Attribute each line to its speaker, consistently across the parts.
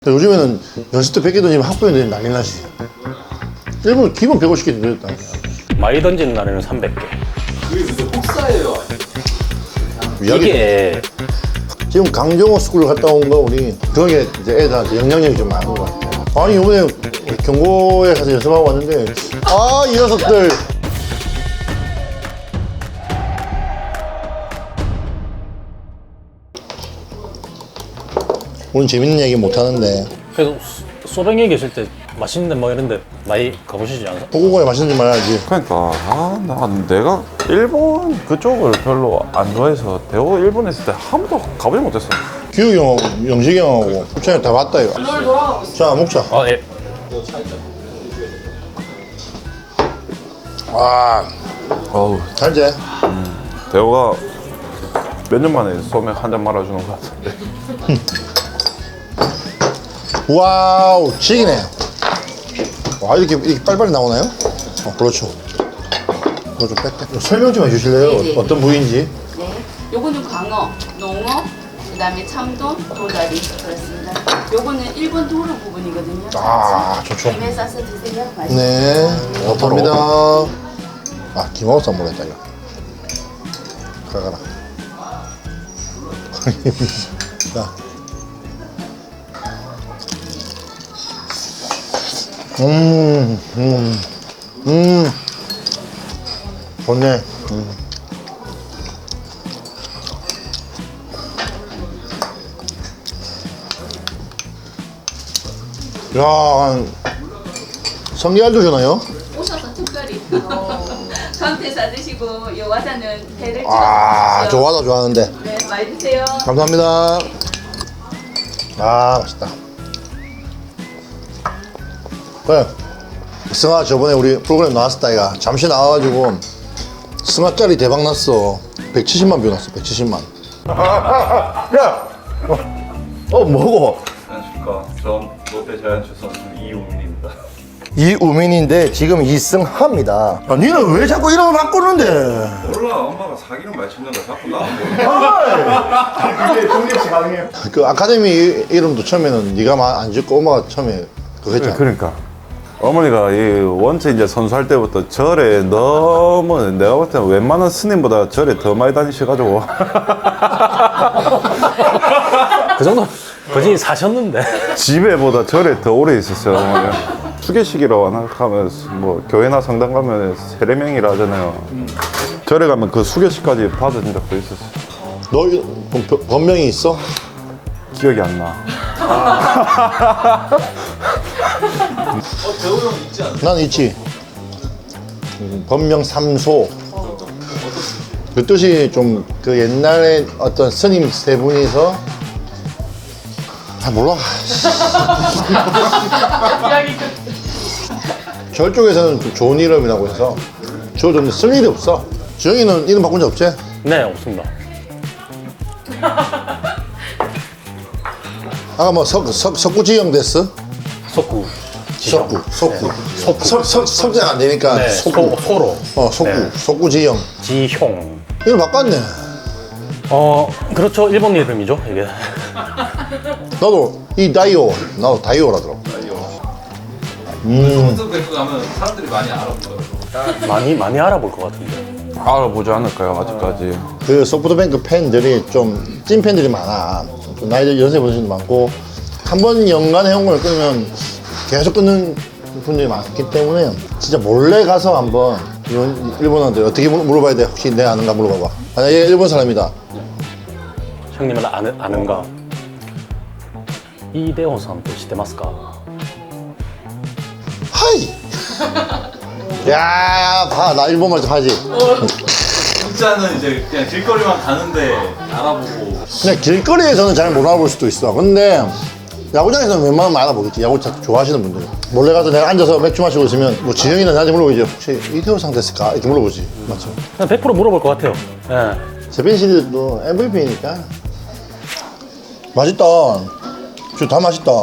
Speaker 1: 요즘에는 연습 때 100개 던지면 학부형들이 난리 나시지. 일본 기본 150개 던졌다.
Speaker 2: 많이 던지는 날에는 300개.
Speaker 3: 그게 근데 혹사예요?
Speaker 2: 이게
Speaker 1: 지금 강정호 스쿨 갔다 온 거 우리 그게 이제 애들한테 영향력이 좀 많은 것 같아. 아니 이번에 경고에 가서 연습하고 왔는데 아 이 녀석들 오늘 재밌는 얘기 못 하는데
Speaker 2: 그래도 소뱅에 계실 때 맛있는 데 뭐 이런 데 많이 가보시지 않아요?
Speaker 1: 소고기에 맛있는 줄 말아야지.
Speaker 4: 그러니까 내가 일본 그쪽을 별로 안 좋아해서 대호 일본에 있을 때 한 번도 가보지 못했어.
Speaker 1: 규혁이 형하고 영식이 형하고 부천에 다 봤다 이거. 자 먹자.
Speaker 2: 아 예.
Speaker 1: 와
Speaker 4: 어우,
Speaker 1: 잘제.
Speaker 4: 대호가 몇 년 만에 소맥 한 잔 말아주는 것 같은데.
Speaker 1: 와우 지기네. 와 이렇게 빨리빨리 나오나요? 그렇죠. 이거 좀 뺄게. 설명 좀 해주실래요?
Speaker 5: 네네.
Speaker 1: 어떤 부위인지?
Speaker 5: 네, 요거는 광어, 농어, 그다음에 참돔, 도다리 그렇습니다. 요거는 일본 도로 부분이거든요.
Speaker 1: 아, 좋죠.
Speaker 5: 김에 싸서 드세요. 맛있어요.
Speaker 1: 네 감사합니다. 아 김하고 쌈 했다 이거. 가라. 자. 좋네. 야, 성게알도 주나요?
Speaker 5: 오셔서 특별히 전태 사드시고 요 와사는 회를
Speaker 1: 아,
Speaker 5: 찍어
Speaker 1: 좋아하다 좋아하는데.
Speaker 5: 네, 많이 드세요.
Speaker 1: 감사합니다. 아, 맛있다. 그래. 승아 저번에 우리 프로그램 나왔었다 이가 잠시 나와가지고 승아짜리 대박 났어. 170만 뷰 났어. 170만. 야, 뭐고?
Speaker 6: 안녕하십니까. 전 롯데 자이언츠 선수 이우민입니다.
Speaker 1: 이우민인데 지금 이승하입니다. 야, 니는 왜 자꾸 이름을 바꾸는데?
Speaker 6: 몰라, 엄마가 사기는 많이 치는 거 자꾸 나는 모르겠어.
Speaker 1: 그 아카데미 이름도 처음에는 네가 안 짓고 엄마가 처음에 그거 했잖아.
Speaker 4: 그러니까 어머니가 이 원체 이제 선수할 때부터 절에 너무 내가 볼 때는 웬만한 스님보다 절에 더 많이 다니셔가지고
Speaker 2: 그 정도 거진 사셨는데.
Speaker 4: 집에보다 절에 더 오래 있었어요. 어머니가. 수계식이라고 하면 뭐 교회나 성당 가면 세례명이라 하잖아요. 절에 가면 그 수계식까지 받은 적도 있었어요.
Speaker 1: 너 본명이 있어?
Speaker 4: 기억이 안 나.
Speaker 3: 대호 형 있지 않나요?
Speaker 1: 난 있지. 본명 삼소. 그 뜻이 좀 그 옛날에 어떤 스님 세 분이서 몰라. 절 쪽에서는 좀 좋은 이름이라고 해서 지어줬는데 쓸 일이 없어. 지영이는 이름 바꾼 적 없지?
Speaker 2: 네 없습니다.
Speaker 1: 아까 뭐 석구지영 됐어?
Speaker 2: 속구.
Speaker 1: 석구. 석자가 안 되니까
Speaker 2: 네.
Speaker 1: 석구.
Speaker 2: 소로.
Speaker 1: 석구.
Speaker 2: 네.
Speaker 1: 석구지영.
Speaker 2: 지형.
Speaker 1: 이름 바꿨네.
Speaker 2: 그렇죠. 일본 이름이죠 이게.
Speaker 1: 나도 나도 다이오라더라고.
Speaker 6: 선수 뵙고 가면 사람들이 많이 알아보더라고요.
Speaker 2: 많이 알아볼 것 같은데.
Speaker 4: 알아보지 않을까요, 아직까지.
Speaker 1: 그 소프트뱅크 팬들이 좀 찐 팬들이 많아. 좀 나이 연세 분들도 많고 한 번 연간 회원권을 끊으면 계속 끊는 분들이 많기 때문에 진짜 몰래 가서 한번 일본한테 어떻게 물어봐야 돼? 혹시 내가 아는가 물어봐봐. 만약에 일본 사람이다.
Speaker 2: 형님은 아는가? 이대호さんって 知ってますか?
Speaker 1: 하이. 야, 봐, 나 일본말 좀 하지.
Speaker 6: 진짜는 이제 그냥 길거리만 가는데 알아보고.
Speaker 1: 그냥 길거리에서는 잘 못 알아볼 수도 있어. 근데 야구장에서는 웬만하면 알아보겠지. 야구 좋아하시는 분들. 몰래 가서 내가 앉아서 맥주 마시고 있으면 뭐 지영이나 나한테 물어보지. 혹시 이태호상 됐을까? 이렇게 물어보지. 맞죠?
Speaker 2: 그냥 100% 물어볼 것 같아요. 예.
Speaker 1: 세빈 씨도 MVP니까. 맛있다. 진짜 다 맛있다.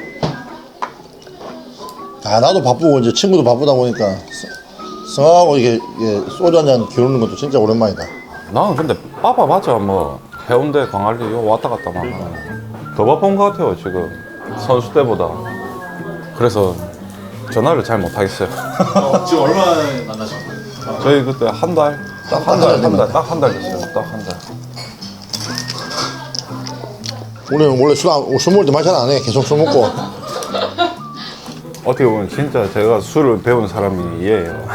Speaker 1: 아, 나도 바쁘고 이제 친구도 바쁘다 보니까 성하고 이게 소주 한잔 기울는 것도 진짜 오랜만이다.
Speaker 4: 나는 근데 빠봐봤자 뭐 해운대 광안리 요 왔다 갔다 막 더 바쁜 것 같아요 지금. 선수 때보다. 그래서 전화를 잘 못하겠어요.
Speaker 3: 지금 얼마나 만나신 거예요?
Speaker 4: 저희 그때 한 달? 딱 한 달, 딱 한 달 됐어요. 딱 한 달.
Speaker 1: 우리는 원래 술 먹을 때 말 잘 안 해. 계속 술 먹고.
Speaker 4: 어떻게 보면 진짜 제가 술을 배운 사람이 얘예요.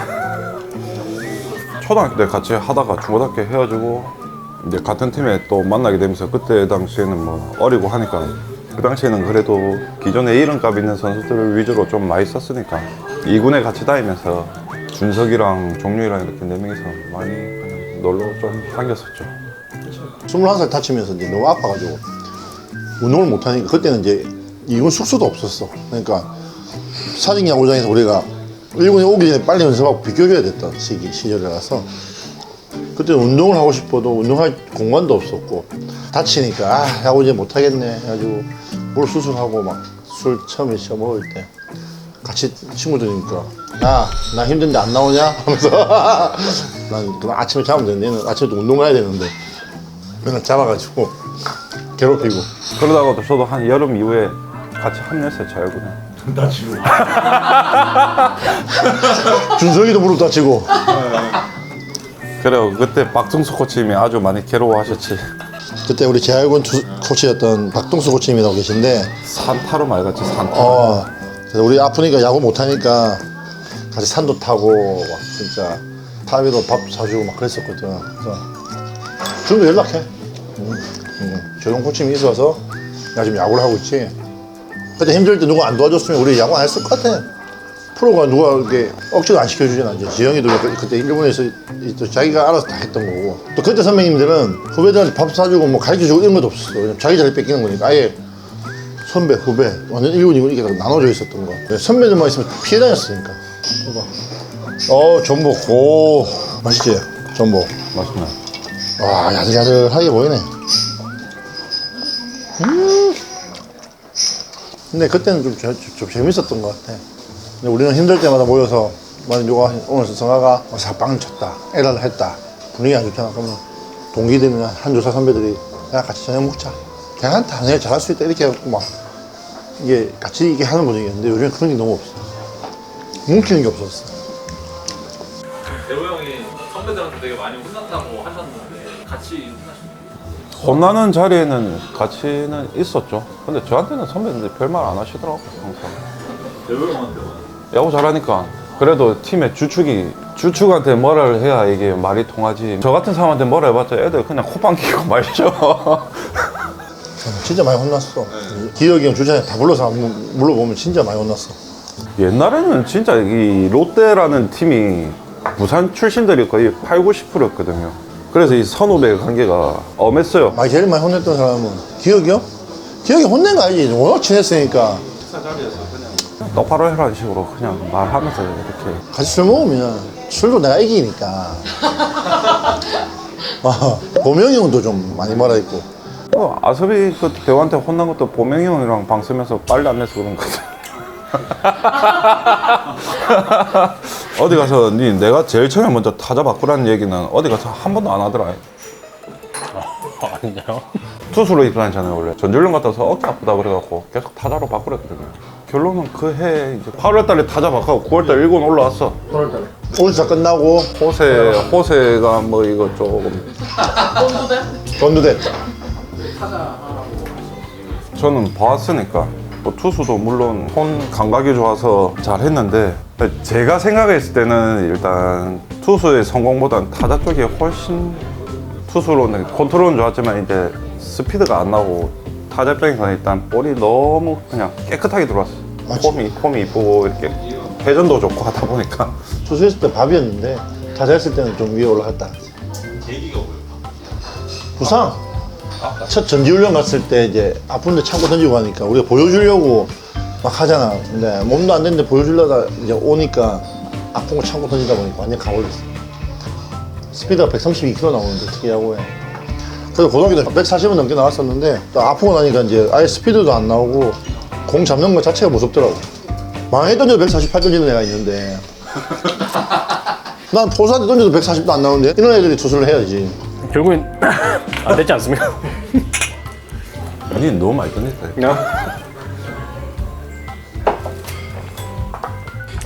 Speaker 4: 초등학교 때 같이 하다가 중고등학교 헤어지고 이제 같은 팀에 또 만나게 되면서 그때 당시에는 뭐 어리고 하니까 그 당시에는 그래도 기존에 이름값 있는 선수들 위주로 좀 많이 썼으니까 2군에 같이 다니면서 준석이랑 종류이랑 이렇게 4명이서 많이 그냥 놀러 좀 다녔었죠.
Speaker 1: 21살 다치면서 이제 너무 아파가지고 운동을 못하니까 그때는 이제 이군 숙소도 없었어. 그러니까 사직 야구장에서 우리가 1군에 오기 전에 빨리 연습하고 비껴줘야 됐던 시절이라서 그때 운동을 하고 싶어도 운동할 공간도 없었고 다치니까 아 야구 이제 못하겠네 해가지고 뭘 수술하고 막 술 처음에 시작 먹을 때 같이 친구들이니까 야 나 힘든데 안 나오냐 하면서 난 그냥 아침에 자면 되는데 얘는 아침에 또 운동 가야 되는데 맨날 잡아가지고 괴롭히고
Speaker 4: 그러다가도 저도 한 여름 이후에 같이 합류했어요, 자유군에.
Speaker 1: 준석이도 무릎 다치고
Speaker 4: 그래요. 그때 박승수 코치님이 아주 많이 괴로워하셨지.
Speaker 1: 그때 우리 재활군 코치였던 박동수 코치님이라고 계신데
Speaker 4: 산타로 말 같지, 산타.
Speaker 1: 그래서 우리 아프니까 야구 못하니까 같이 산도 타고 막 진짜 타비도 밥 사주고 막 그랬었거든. 그래서 지금도 연락해. 조용 코치님이 있어서 나 지금 야구를 하고 있지. 그때 힘들 때 누가 안 도와줬으면 우리 야구 안 했을 것 같아. 프로가 누가 이렇게 억지로 안 시켜주잖아. 이제 지영이도 그때 일본에서 또 자기가 알아서 다 했던 거고. 또 그때 선배님들은 후배들한테 밥 사주고 뭐 가르쳐주고 이런 것도 없었어. 그냥 자기 자리 뺏기는 거니까 아예 선배, 후배, 완전 1군, 2군 이렇게 다 나눠져 있었던 거. 선배들만 있으면 피해 다녔으니까. 전복. 오, 맛있지? 전복.
Speaker 4: 맛있네.
Speaker 1: 와, 야들야들하게 보이네. 근데 그때는 좀 재밌었던 것 같아. 근데 우리는 힘들 때마다 모여서 만약 누가 오늘 성화가 사빵을 쳤다, 에러를 했다, 분위기 안 좋잖아. 그러면 동기들이나 한조사 선배들이 야 같이 저녁 먹자. 걔한테 내가 잘할 수 있다 이렇게 해갖고 막 이게 같이 이게 하는 분위기였는데 요즘엔 그런 게 너무 없어. 뭉치는 게 없었어.
Speaker 3: 대호 형이 선배들한테 되게 많이 혼났다고 하셨는데 같이 혼나셨나요?
Speaker 4: 혼나는 자리에는 같이는 있었죠. 근데 저한테는 선배님들 별말 안 하시더라고요, 항상.
Speaker 3: 대호 형한테
Speaker 4: 야구 잘하니까. 그래도 팀의 주축한테 뭐라를 해야 이게 말이 통하지. 저 같은 사람한테 뭐라 해봤자 애들 그냥 코방 끼고 말죠.
Speaker 1: 진짜 많이 혼났어. 기혁이 형 주장에 다 불러서 물어보면 진짜 많이 혼났어.
Speaker 4: 옛날에는 진짜 이 롯데라는 팀이 부산 출신들이 거의 8, 90%였거든요. 그래서 이 선후배 관계가 엄했어요.
Speaker 1: 제일 많이 혼냈던 사람은 기혁이 형? 기혁이 혼낸 거 아니지. 워낙 친했으니까.
Speaker 4: 똑바로 해라는 식으로 그냥 말하면서 이렇게.
Speaker 1: 같이 술 먹으면 술도 내가 이기니까. 보명이 형도 좀 많이 말아있고.
Speaker 4: 아섭이 그 대호한테 혼난 것도 보명이 형이랑 방 쓰면서 빨리 안 내서 그런 거지. 어디 가서 내가 제일 처음에 먼저 타자 바꾸라는 얘기는 어디 가서 한 번도 안 하더라.
Speaker 2: 아니요.
Speaker 4: 투수로 입단했잖아요 원래. 전주련 갔다 와서 어깨 아프다 그래갖고 계속 타자로 바꾸랬거든요. 결론은 그 해 이제 8월달에 타자 바꾸고 9월달 1군 올라왔어. 8월달에
Speaker 1: 올스타 끝나고
Speaker 4: 호세가 뭐 이거 조금
Speaker 1: 건두됐다.
Speaker 4: 저는 봐왔으니까 뭐 투수도 물론 손 감각이 좋아서 잘했는데 제가 생각했을 때는 일단 투수의 성공보다는 타자 쪽이 훨씬 투수로는 컨트롤은 좋았지만 이제 스피드가 안 나오고 타자 입장에서는 일단 볼이 너무 그냥 깨끗하게 들어왔어. 폼이 이쁘고 이렇게 회전도 좋고 하다 보니까
Speaker 1: 투수했을 때 밥이었는데 타자했을 때는 좀 위에 올라갔다.
Speaker 3: 계기가 뭐예요?
Speaker 1: 부상. 첫 전지훈련 갔을 때 이제 아픈데 참고 던지고 하니까 우리가 보여주려고 막 하잖아. 근데 몸도 안 되는데 보여주려다 이제 오니까 아픈 거 참고 던지다 보니까 완전 가버렸어. 스피드가 132km 나오는데 특히 야구에. 그래서 고등학교 때 140은 넘게 나왔었는데 또 아프고 나니까 이제 아예 스피드도 안 나오고 공 잡는 것 자체가 무섭더라고. 망에 던져도 148 던지는 애가 있는데 난 포수한테 던져도 140도 안 나오는데 이런 애들이 투수를 해야지.
Speaker 2: 결국엔 안 됐지 않습니까?
Speaker 4: 니 너무 많이 던졌다.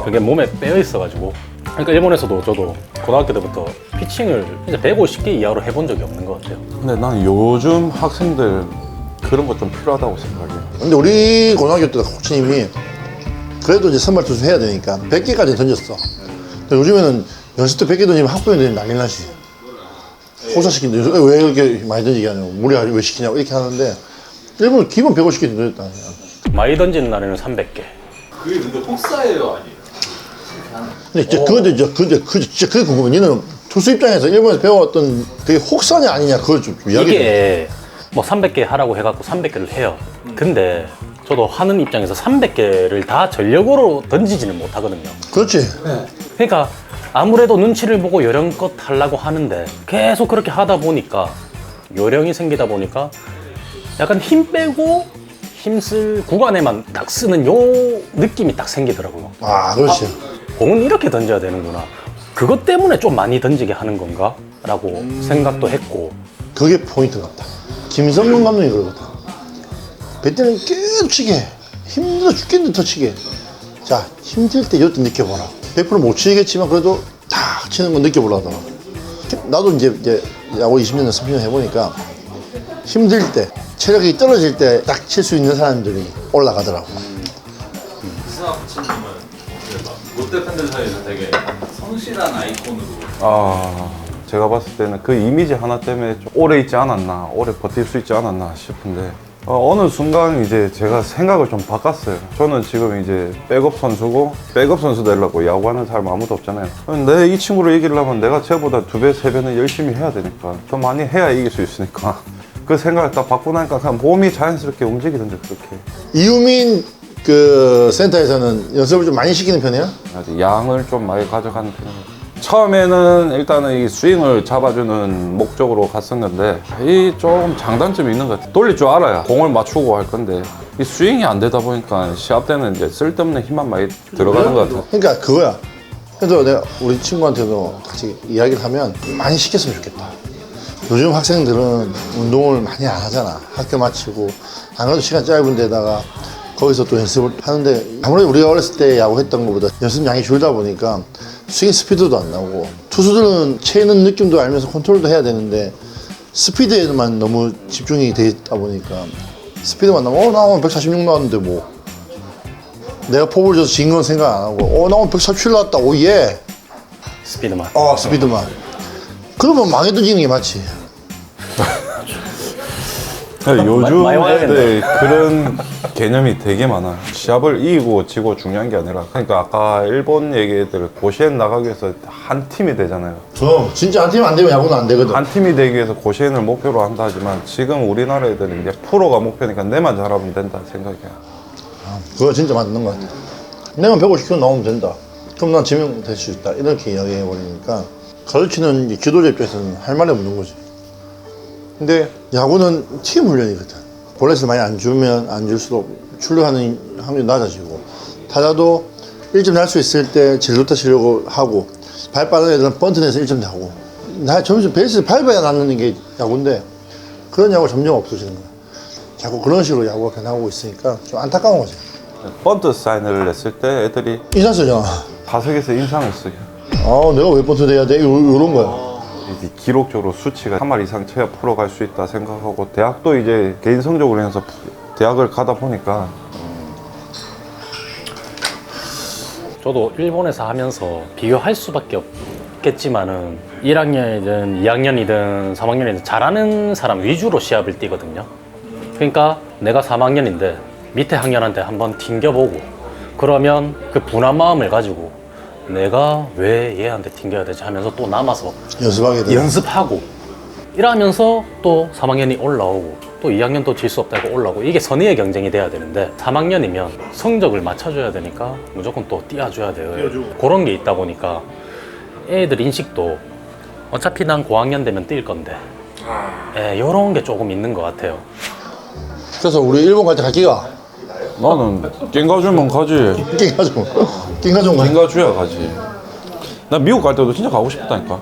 Speaker 2: 그게 몸에 빼어 있어가지고. 그러니까 일본에서도 저도 고등학교 때부터 피칭을 진짜 150개 이하로 해본 적이 없는 것 같아요.
Speaker 4: 근데 난 요즘 학생들 그런 거 좀 필요하다고 생각해.
Speaker 1: 근데 우리 고등학교 때 코치님이 그래도 이제 선발 투수 해야 되니까 100개까지 던졌어. 근데 요즘에는 연습 때 100개 던지면 학부형들이 난리 나지. 호사시킨다. 왜 이렇게 많이 던지게 하냐고. 무리 왜 시키냐고 이렇게 하는데 일본은 기본 150개 던졌다.
Speaker 2: 많이 던지는 날에는 300개.
Speaker 3: 그게 근데 혹사예요, 아니에요?
Speaker 1: 근데 진짜 진짜 그게 궁금해. 니는 투수 입장에서 일본에서 배워왔던 그게 혹사냐 아니냐 그걸 좀 이야기해.
Speaker 2: 이게 뭐 300개 하라고 해갖고 300개를 해요. 근데 저도 하는 입장에서 300개를 다 전력으로 던지지는 못하거든요.
Speaker 1: 그렇지.
Speaker 2: 그러니까 아무래도 눈치를 보고 요령껏 하려고 하는데 계속 그렇게 하다 보니까 요령이 생기다 보니까 약간 힘 빼고 힘쓸 구간에만 딱 쓰는 요 느낌이 딱 생기더라고요.
Speaker 1: 아, 그렇지.
Speaker 2: 공은 이렇게 던져야 되는구나. 그것 때문에 좀 많이 던지게 하는 건가? 라고 생각도 했고.
Speaker 1: 그게 포인트 같다. 김성근 감독이 그러거든. 배때는 계속 치게. 힘들어 죽겠는데 더 치게. 자, 힘들 때 이것도 느껴보라. 100%못 치겠지만 그래도 탁 치는 건 느껴보라더라. 나도 이제 야구 20년, 30년 해보니까 힘들 때, 체력이 떨어질 때 딱 칠 수 있는 사람들이 올라가더라고.
Speaker 3: 이승학 코치님은 롯데 팬들 사이에서 되게 성실한 아이콘으로
Speaker 4: 제가 봤을 때는 그 이미지 하나 때문에 좀 오래 있지 않았나, 오래 버틸 수 있지 않았나 싶은데 어느 순간 이제 제가 생각을 좀 바꿨어요. 저는 지금 이제 백업 선수고 백업 선수 되려고 야구하는 사람 아무도 없잖아요. 내 이 친구를 이기려면 내가 쟤보다 2배, 3배는 열심히 해야 되니까 더 많이 해야 이길 수 있으니까 그 생각을 딱 바꾸고 나니까 그냥 몸이 자연스럽게 움직이던데 그렇게.
Speaker 1: 이유민 그 센터에서는 연습을 좀 많이 시키는 편이야?
Speaker 4: 아주 양을 좀 많이 가져가는 편이에요. 처음에는 일단은 이 스윙을 잡아주는 목적으로 갔었는데 이 좀 장단점이 있는 것 같아요. 돌릴 줄 알아야 공을 맞추고 할 건데 이 스윙이 안 되다 보니까 시합 때는 이제 쓸데없는 힘만 많이 들어가는 것 같아요.
Speaker 1: 그러니까 그거야. 그래서 내가 우리 친구한테도 같이 이야기를 하면 많이 시켰으면 좋겠다. 요즘 학생들은 운동을 많이 안 하잖아. 학교 마치고 안 그래도 시간 짧은 데다가 거기서 또 연습을 하는데 아무래도 우리가 어렸을 때 야구했던 것보다 연습량이 줄다 보니까 스윙 스피드도 안 나오고 투수들은 채는 느낌도 알면서 컨트롤도 해야 되는데 스피드에만 너무 집중이 돼 있다 보니까 스피드만 나오면 나 오늘 146 나왔는데 뭐 내가 포볼 줘서 진 건 생각 안 하고 나 오늘 147 나왔다 오예
Speaker 2: 스피드만.
Speaker 1: 스피드만 그러면 망해던지는 게 맞지.
Speaker 4: 요즘
Speaker 2: 많이 와야겠네.
Speaker 4: 애들 그런 개념이 되게 많아요. 시합을 이기고 지고 중요한 게 아니라 그러니까 아까 일본 얘기들 고시엔 나가기 위해서 한 팀이 되잖아요.
Speaker 1: 진짜 한 팀 안 되면 야구는 안 되거든.
Speaker 4: 한 팀이 되기 위해서 고시엔을 목표로 한다 하지만 지금 우리나라 애들은 이제 프로가 목표니까 내만 잘하면 된다 생각이야.
Speaker 1: 그거 진짜 맞는 것 같아. 내가 150kg 나오면 된다. 그럼 난 지명될 수 있다. 이렇게 이야기해버리니까 가르치는 이제 지도자 입장에서는 할 말이 없는 거지. 근데 야구는 팀 훈련이거든. 볼넷을 많이 안 주면 안 줄수록 출루하는 확률이 낮아지고 타자도 1점 날 수 있을 때 진루타 치려고 하고 발 빠른 애들은 번트 내서 1점 나고 나 점점 베이스를 밟아야 낳는 게 야구인데 그런 야구가 점점 없어지는 거야. 자꾸 그런 식으로 야구가 변하고 있으니까 좀 안타까운 거지.
Speaker 4: 번트 사인을 냈을 때 애들이
Speaker 1: 인상 쓰잖아.
Speaker 4: 타석에서 인상을 쓰게.
Speaker 1: 내가 왜 번트 내야 돼? 요런 거야.
Speaker 4: 이제 기록적으로 수치가 3할 이상 쳐야 프로 갈 수 있다 생각하고 대학도 이제 개인 성적으로 해서 대학을 가다 보니까
Speaker 2: 저도 일본에서 하면서 비교할 수밖에 없겠지만은 1학년이든 2학년이든 3학년이든 잘하는 사람 위주로 시합을 뛰거든요. 그러니까 내가 3학년인데 밑에 학년한테 한번 튕겨보고 그러면 그 분한 마음을 가지고 내가 왜 얘한테 튕겨야 되지 하면서 또 남아서
Speaker 1: 연습하게 돼.
Speaker 2: 연습하고 이러면서 또 3학년이 올라오고 또 2학년도 질 수 없다고 올라오고 이게 선의의 경쟁이 돼야 되는데 3학년이면 성적을 맞춰줘야 되니까 무조건 또 띄워줘야 돼요. 그런 게 있다 보니까 애들 인식도 어차피 난 고학년 되면 뛸 건데 이런 게 조금 있는 것 같아요.
Speaker 1: 그래서 우리 일본 갈 때 갈기가
Speaker 4: 나는 깽가주면 가지.
Speaker 1: 낑가좀 가.
Speaker 4: 깽가주야 가지. 나 미국 갈 때도 진짜 가고 싶었다니까.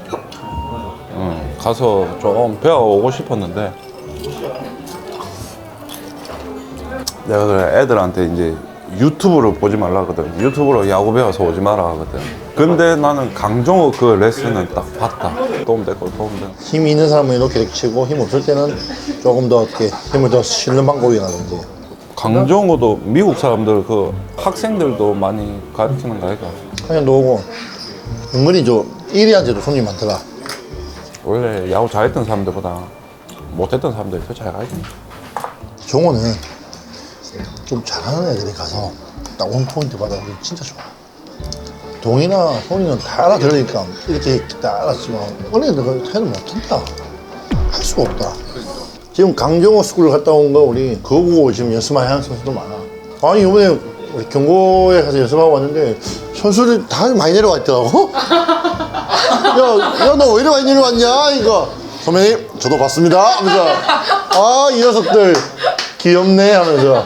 Speaker 4: 가서 좀 배워오고 싶었는데 내가 그래 애들한테 이제 유튜브를 보지 말라 하거든. 유튜브로 야구 배워서 오지 마라 하거든. 근데 나는 강정호 그 레슨은 딱 봤다. 도움되고 도움되고.
Speaker 1: 힘이 있는 사람은 이렇게 치고 힘 없을 때는 조금 더 이렇게 힘을 더 실는 방법이라든지.
Speaker 4: 강정호도 미국 사람들 그 학생들도 많이 가르치는 거 아이가?
Speaker 1: 그냥 오고 은근히 저 1위한테도 손님이 많더라.
Speaker 4: 원래 야구 잘했던 사람들보다 못했던 사람들이 더 잘 가야지.
Speaker 1: 종호는 좀 잘하는 애들이 가서 딱 원포인트 받아보기 진짜 좋아. 동이나 손이는 다 알아들으니까 이렇게 다 알았지만 어린애들은 해는 못한다. 할 수가 없다. 지금 강정호 스쿨을 갔다 온 거 우리 그거 보고 지금 연습 많이 하는 선수도 많아. 아니 이번에 우리 경고에 가서 연습하고 왔는데 선수들 다 많이 내려와 있더라고. 야 너 왜 이리 많이 내려왔냐 이거. 선배님 저도 봤습니다 하면서 아 이 녀석들 귀엽네 하면서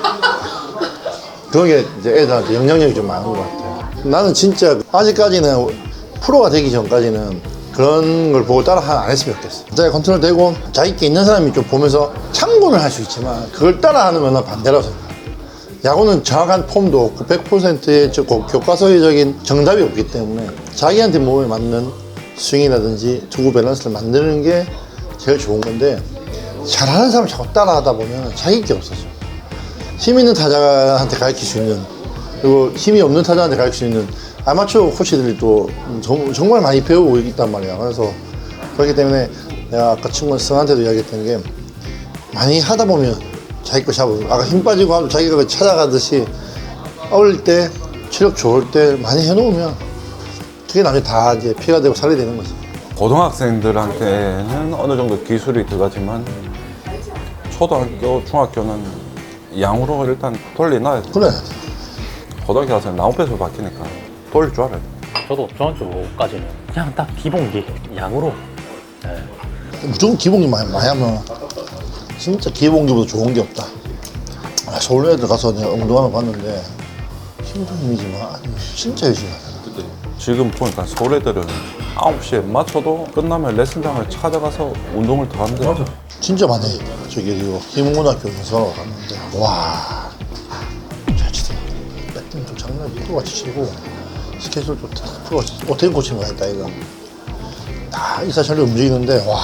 Speaker 1: 그런 게 이제 애들한테 영향력이 좀 많은 것 같아요. 나는 진짜 아직까지는 프로가 되기 전까지는 그런 걸 보고 따라 안 했으면 좋겠어. 자기 컨트롤 되고 자기 게 있는 사람이 좀 보면서 참고는 할 수 있지만 그걸 따라 하는 건 반대라고 생각해. 야구는 정확한 폼도 없고 100%의 교과서적인 정답이 없기 때문에 자기한테 몸에 맞는 스윙이라든지 투구 밸런스를 만드는 게 제일 좋은 건데 잘하는 사람 자꾸 따라하다 보면 자기 게 없어져. 힘 있는 타자한테 가르칠 수 있는 그리고 힘이 없는 타자한테 가르칠 수 있는 아마추어 코치들이 또 정말 많이 배우고 있단 말이야. 그래서 그렇기 때문에 내가 아까 친구 승한테도 이야기했던 게 많이 하다 보면 자기 거 잡으면 아까 힘 빠지고 하면 자기가 그 찾아가듯이 어릴 때 체력 좋을 때 많이 해놓으면 그게 나중에 다 이제 피가 되고 살이 되는 거지.
Speaker 4: 고등학생들한테는 어느 정도 기술이 들어가지만 초등학교, 중학교는 양으로 일단 돌려놔야 돼.
Speaker 1: 그래.
Speaker 4: 고등학교 가서 나무배수 바뀌니까 돌릴 줄 알아야 돼.
Speaker 2: 저도 중학교까지는 그냥 딱 기본기 양으로. 네.
Speaker 1: 무조건 기본기 많이 하면 진짜 기본기보다 좋은 게 없다. 아, 서울 애들 가서 내가 운동하는 거 봤는데 힘든 힘이지만 진짜 열심히 하잖아.
Speaker 4: 지금 보니까 서울 애들은 9시에 맞춰도 끝나면 레슨장을 찾아가서 운동을 더 한대. 맞아.
Speaker 1: 진짜 많이 저기 희문고등학교 연습하러 갔는데 와 잘 치더라. 배팅도 장난 프로같이 치고 스케줄도 다 프로같이 오태인 코치가 했다 이거 다 이사철로 움직이는데 와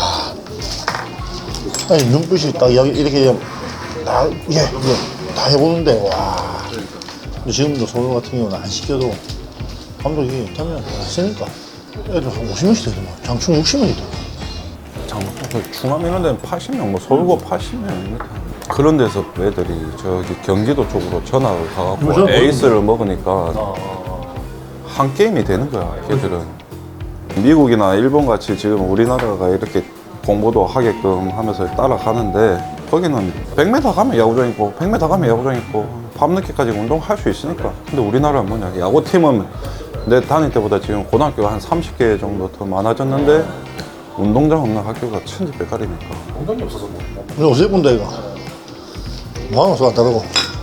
Speaker 1: 아니 눈빛이 딱 이렇게 다 다 해보는데 와 근데 지금도 서울 같은 경우는 안 시켜도 감독이 타면 쓰니까 애들 한 50명씩 되더만 장충 60명이 더
Speaker 4: 중암 이런 데는 80명, 뭐 서울고 80명. 그런 데서 애들이 저기 경기도 쪽으로 전화를 가갖고 에이스를 먹으니까 한 게임이 되는 거야, 걔들은. 미국이나 일본 같이 지금 우리나라가 이렇게 공부도 하게끔 하면서 따라가는데 거기는 100m 가면 야구장 있고 100m 가면 야구장 있고 밤늦게까지 운동할 수 있으니까. 근데 우리나라는 뭐냐, 야구팀은 내 다닐 때보다 지금 고등학교가 한 30개 정도 더 많아졌는데 운동장 없는 학교가 천지백갈이니까.
Speaker 2: 운동이 없어서 뭐.
Speaker 1: 근데 어제 본다 이거 마음은 안 다르고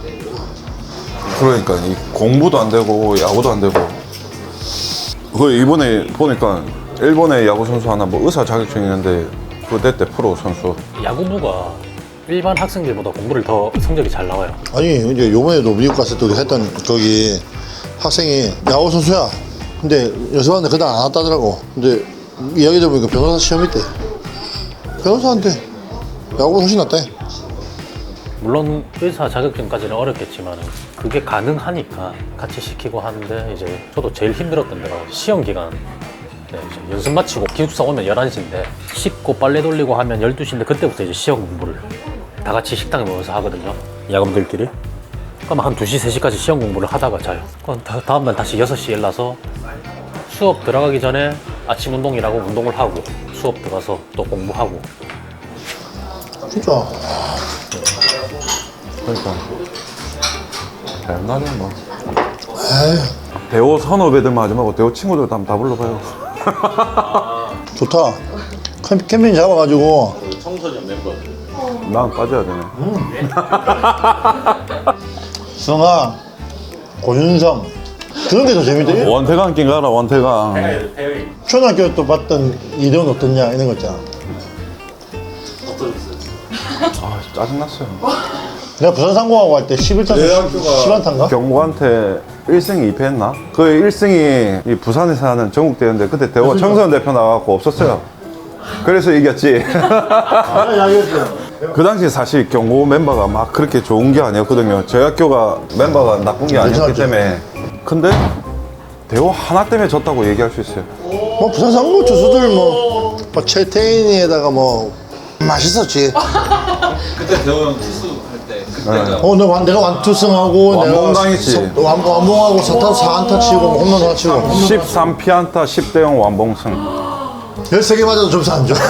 Speaker 4: 그러니까 이 공부도 안 되고 야구도 안 되고. 그 이번에 보니까 일본의 야구 선수 하나 뭐 의사 자격증 있는데 그거 냈대, 프로 선수.
Speaker 2: 야구부가 일반 학생들보다 공부를 더 성적이 잘 나와요.
Speaker 1: 아니 이제 요번에도 미국 갔을 때 우리 했던 거기 학생이 야구 선수야 근데 연습하는데 그날 안 왔다더라고. 근데 이야기 들어보니까 변호사 시험 있대. 변호사한테 야구가 훨씬 낫대.
Speaker 2: 물론 의사 자격증까지는 어렵겠지만 그게 가능하니까 같이 시키고 하는데 이제 저도 제일 힘들었던 데가 시험 기간. 네, 이제 연습 마치고 기숙사 오면 11시인데 씻고 빨래 돌리고 하면 12시인데 그때부터 이제 시험 공부를 다 같이 식당에 모여서 하거든요. 야구들끼리. 그럼 한 2시, 3시까지 시험 공부를 하다가 자요. 그럼 다음날 다시 6시에 일어나서 수업 들어가기 전에 아침 운동이라고 운동을 하고 수업 들어가서 또 공부하고.
Speaker 1: 진짜
Speaker 4: 그러니까 옛날에 뭐
Speaker 1: 에이
Speaker 4: 대호 선후배들만 하지 말고 대호 친구들 다 불러봐요.
Speaker 1: 좋다. 캠핑 잡아가지고
Speaker 3: 청소년 멤버들.
Speaker 4: 난 빠져야 되네.
Speaker 1: 승아 고윤성 그런 게 더 재밌대.
Speaker 4: 원태강 낀 가라, 원태강.
Speaker 1: 초등학교 때 봤던 이대훈 어떻냐 이런 거 있잖아.
Speaker 3: 없어졌어요.
Speaker 4: 아 짜증났어요.
Speaker 1: 내가 부산 상공하고 할 때 11타수 10안타인가?
Speaker 4: 경고한테 1승 2패 했나? 그 1승이 이 부산에서 하는 전국대회인데 그때 대호 청소년 대표 나가고 없었어요. 그래서 이겼지. 그 당시 사실 경고 멤버가 막 그렇게 좋은 게 아니었거든요. 저희 학교가 멤버가 나쁜 게 아니었기 때문에. 근데 대호 하나 때문에 졌다고 얘기할 수 있어요.
Speaker 1: 뭐 부산 상공 투수들 뭐 최태인이에다가 뭐 맛있었지.
Speaker 3: 그때 대호 형 투수 할 때 그때가
Speaker 1: 내가 완투승하고
Speaker 4: 완봉당했지.
Speaker 1: 완봉하고 4타수 4안타 치고 뭐 홈런 하나 치고
Speaker 4: 13피안타 10대0 완봉승.
Speaker 1: 13개 맞아도 점수 안 줘.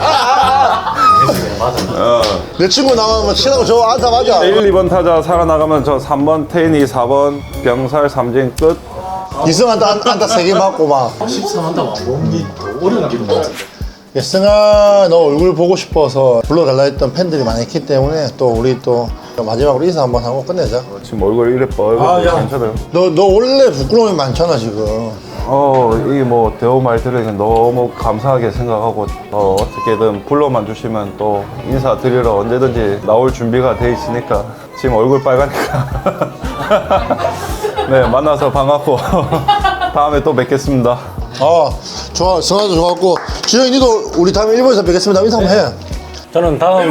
Speaker 1: 내 친구 나가면 치라고 저 안타 맞아.
Speaker 4: 1, 2번 타자 살아나가면 저 3번 태인이 4번 병살 삼진 끝.
Speaker 1: 이승 안타 3개 맞고 막
Speaker 2: 13한다 완봉이 더 어려운 기분 같은데.
Speaker 1: 승아 너 얼굴 보고 싶어서 불러달라 했던 팬들이 많이 있기 때문에 또 우리 또 마지막으로 인사 한번 하고 끝내자.
Speaker 4: 지금 얼굴 이래 뻘겋고 괜찮아요.
Speaker 1: 너 원래 부끄러움이 많잖아 지금.
Speaker 4: 이 뭐 대호 말 들으니까 너무 감사하게 생각하고 어떻게든 불러만 주시면 또 인사드리러 언제든지 나올 준비가 돼 있으니까 지금 얼굴 빨가니까 네 만나서 반갑고 다음에 또 뵙겠습니다.
Speaker 1: 좋아. 승아도 좋았고 지영이 니도 우리 다음에 일본에서 뵙겠습니다. 인사 한번 해.
Speaker 2: 저는 다음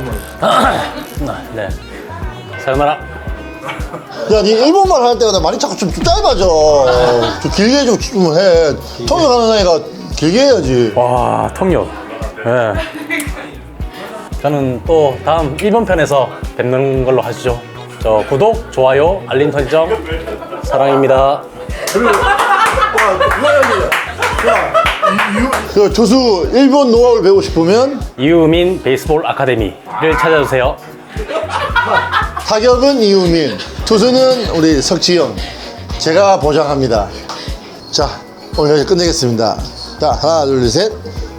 Speaker 2: 네 사요나라.
Speaker 1: 야, 니 일본말 할 때마다 말이 자꾸 좀 짧아져. 좀 길게 좀 해. 통역하는 애가 길게 해야지.
Speaker 2: 와 통역. 네. 저는 또 다음 1번 편에서 뵙는 걸로 하시죠. 저 구독, 좋아요, 알림 설정 사랑입니다.
Speaker 1: 그 투수 일본 노하우를 배우고 싶으면
Speaker 2: 이유민 베이스볼 아카데미를 찾아주세요.
Speaker 1: 타격은 이우민, 투수는 우리 석지영. 제가 보장합니다. 자, 오늘 여기서 끝내겠습니다. 자, 하나, 둘, 셋.